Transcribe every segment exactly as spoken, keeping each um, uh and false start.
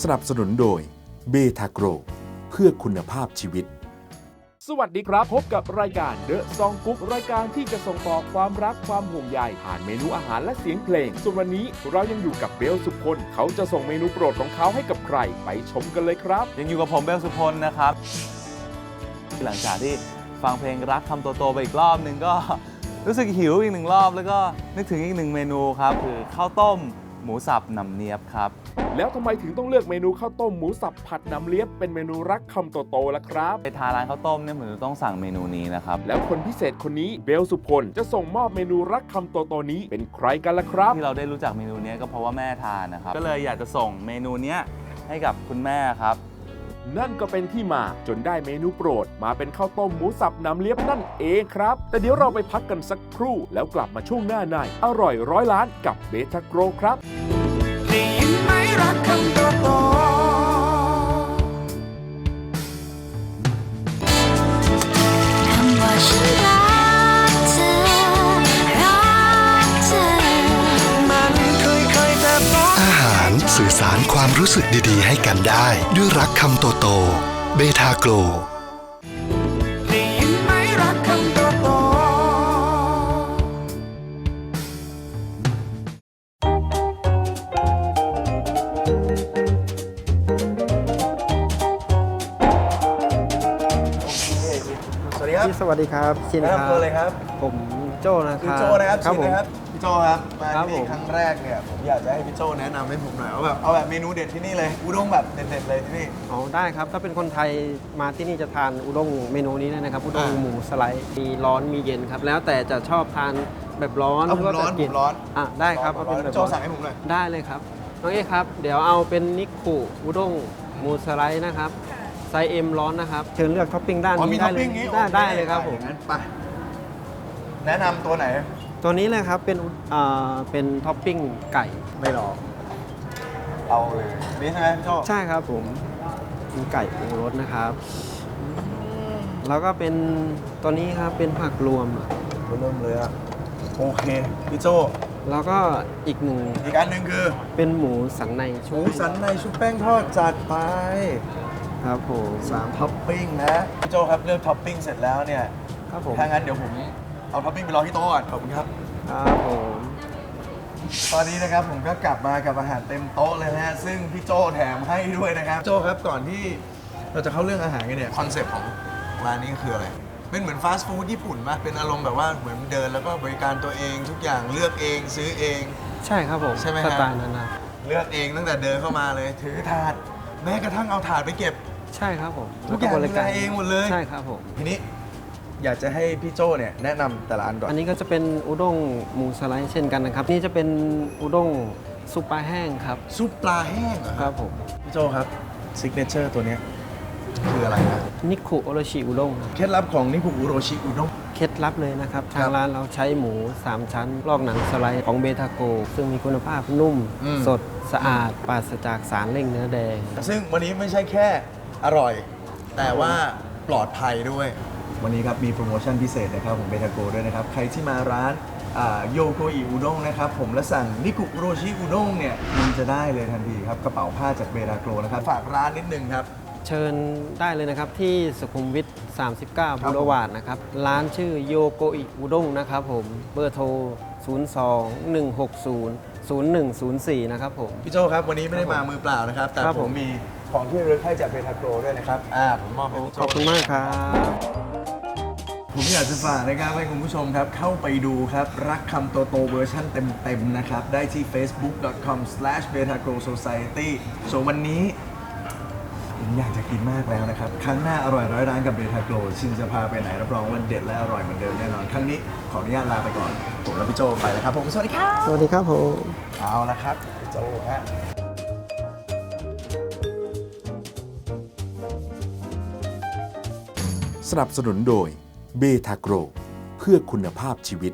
นับสนุนโดยเบทาโกรเพื่อคุณภาพชีวิตสวัสดีครับพบกับรายการเดอะซองกุ๊กรายการที่จะส่งต่อความรักความห่วงใยผ่านเมนูอาหารและเสียงเพลงส่วนวันนี้เรายังอยู่กับเบลสุพลเขาจะส่งเมนูโปรดของเขาให้กับใครไปชมกันเลยครับยังอยู่กับผมเบลสุพลนะครับหลังจากที่ฟังเพลงรักคำโตๆไปอีกรอบหนึ่งก็รู้สึกหิวอีกหนึ่งรอบแล้วก็นึกถึงอีกหนึ่งเมนูครับคือข้าวต้มหมูสับหนำเนียบครับแล้วทำไมถึงต้องเลือกเมนูข้าวต้มหมูสับผัดน้ำเลียบเป็นเมนูรักคำโตๆล่ะครับไปทานร้านข้าวต้มเนี่ยผมจะต้องสั่งเมนูนี้นะครับแล้วคนพิเศษคนนี้เบลสุพลจะส่งมอบเมนูรักคำโตๆนี้เป็นใครกันล่ะครับที่เราได้รู้จักเมนูนี้ก็เพราะว่าแม่ทานนะครับก็เลยอยากจะส่งเมนูนี้ให้กับคุณแม่ครับนั่นก็เป็นที่มาจนได้เมนูโปรดมาเป็นข้าวต้มหมูสับน้ำเลียบนั่นเองครับแต่เดี๋ยวเราไปพักกันสักครู่แล้วกลับมาช่วงหน้าในอร่อยร้อยล้านกับเบทาโกรครับได้ยินไหมรักคำโตโตคำว่าฉันรักเธอรักเธอมันเคยๆแต่บอกอาหารสื่อสารความรู้สึกดีๆให้กันได้ด้วยรักคำโตโตเบทาโกรได้ยินไหมรักคำโตโตสวัสดีครับสวัสดีครับชินครับตัวเลยครับผมโจ้นะครับพี่โจ้นะครับครับผมครับพี่โจ้ครับมาที่นี่ครั้งแรกเนี่ยผมอยากจะให้พี่โจ้แนะนำให้ผมหน่อยเอาแบบเอาแบบเมนูเด็ดที่นี่เลยอุด้งแบบเด็ดๆเลยที่นี่อ๋อได้ครับถ้าเป็นคนไทยมาที่นี่จะทานอุด้งเมนูนี้นะครับอุด้งหมูสไลด์มีร้อนมีเย็นครับแล้วแต่จะชอบทานแบบร้อนเอาผมร้อนผมร้อนอ่ะได้ครับเอาเป็นแบบโจ้สั่งให้ผมหน่อยได้เลยครับน้องเอ๊ครับเดี๋ยวเอาเป็นนิคุอุด้งหมูสไลด์นะครับไซส์ M ร้อนนะครับเชิญเลือกท็อปปิ้งด้านนี้ได้เลยได้ได้เลยครับผมไปแนะนำตัวไหนตัวนี้เลยครับเป็นอ่าเป็นท็อปปิ้งไก่ไม่หรอกเอาเลยนี่ใช่ไหมพี่โจ้ใช่ครับผมเป็นไก่ปรุงรสนะครับแล้วก็เป็นตัวนี้ครับเป็นผักรวมเริ่มเลยอะโอเคพี่โจ้แล้วก็อีกหนึ่งอีกอันหนึ่งคือเป็นหมูสันในหมูสันในชุบแป้งทอดจัดไปครับผมสามท็อปปิ้งนะพี่โจ้ครับเลือกท็อปปิ้งเสร็จแล้วเนี่ยครับผมถ้างั้นเดี๋ยวผมเอาท็อปปิ้งไปรอที่โต๊ะก่อนขอบคุณครับครับผมตอนนี้นะครับผมก็กลับมากับอาหารเต็มโต๊ะเลยนะฮะซึ่งพี่โจ้แถมให้ด้วยนะครับโจ้ครับก่อนที่เราจะเข้าเรื่องอาหารกันเนี่ยคอนเซปต์ของร้านนี้คืออะไรเป็นเหมือนฟาสต์ฟู้ดญี่ปุ่นป่ะเป็นอารมณ์แบบว่าเหมือนเดินแล้วก็บริการตัวเองทุกอย่างเลือกเองซื้อเองใช่ครับผมใช่ไหมสไตล์นั้นนะเลือกเองตั้งแต่เดินเข้ามาเลยถือถาดแม้กระทั่งเอาถาดไปเก็บใช่ครับผมทุกอย่างดูแลเองหมดเลยใช่ครับผมทีนี้อยากจะให้พี่โจ้เนี่ยแนะนำแต่ละอันก่อนอันนี้ก็จะเป็นอุด้งหมูสไลด์เช่นกันนะครับนี่จะเป็นอุด้งซุปปลาแห้งครับซุปปลาแห้งเหรอครับผมพี่โจ้ครับซิกเนเจอร์ตัวนี้คืออะไรนะนิคุโอโรชิอุด้งเคล็ดลับของนิคุโอโรชิอุด้งเคล็ดลับเลยนะครับทางร้านเราใช้หมูสามชั้นลอกหนังสไลด์ของเบทาโกซึ่งมีคุณภาพนุ่มสดสะอาดปราศจากสารเร่งเนื้อแดงซึ่งวันนี้ไม่ใช่แค่อร่อยแต่ว่าปลอดภัยด้วยวันนี้ครับมีโปรโมชั่นพิเศษนะครับของเบทาโกด้วยนะครับใครที่มาร้านโยโกอิอุด้งนะครับผมและสั่งนิกุโรชิอุด้งเนี่ยมันจะได้เลยทันทีครับกระเป๋าผ้าจากเบทาโกนะครับฝากร้านนิดนึงครับเชิญได้เลยนะครับที่สุขุมวิทสามสิบเก้าบูรวาดนะครับร้านชื่อโยโกอิอุด้งนะครับผมเบอร์โทรศูนย์ สอง หนึ่ง หก ศูนย์ ศูนย์ หนึ่ง ศูนย์ สี่นะครับผมพี่โจ้ครับวันนี้ไม่ได้มามือเปล่านะครับแต่ผมมีของที่ระลึกให้จากเบทาโกด้วยนะครับอ่าผมมอบให้พี่โจ้ขอบคุณมากครับผมอยากจะฝากนะครับให้คุณผู้ชมครับเข้าไปดูครับรักคำโตโตเวอร์ชันเต็มๆนะครับได้ที่ เฟซบุ๊ก ดอท คอม สแลช เบทาโกโซไซตี้ ส่วนวันนี้ผมอยากจะกินมากแล้วนะครับครั้งหน้าอร่อยร้อยร้านกับเบทาโกชินจะพาไปไหนรับรองว่าเด็ดและอร่อยเหมือนเดิมแน่นอนครั้งนี้ขออนุญาตลาไปก่อนผมและพี่โจไปแล้วครับผมสวัสดีครับสวัสดีครับผมเอาละครับพี่โจฮะสนับสนุนโดยเบทาโกรเพื่อคุณภาพชีวิต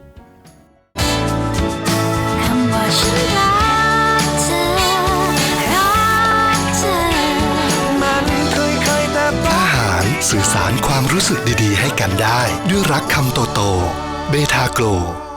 คำว่าฉันรักเธอรักเธอมันเคยๆแต่บอกอาหารสื่อสารความรู้สึกดีๆให้กันได้ด้วยรักคำโตโตเบทาโกร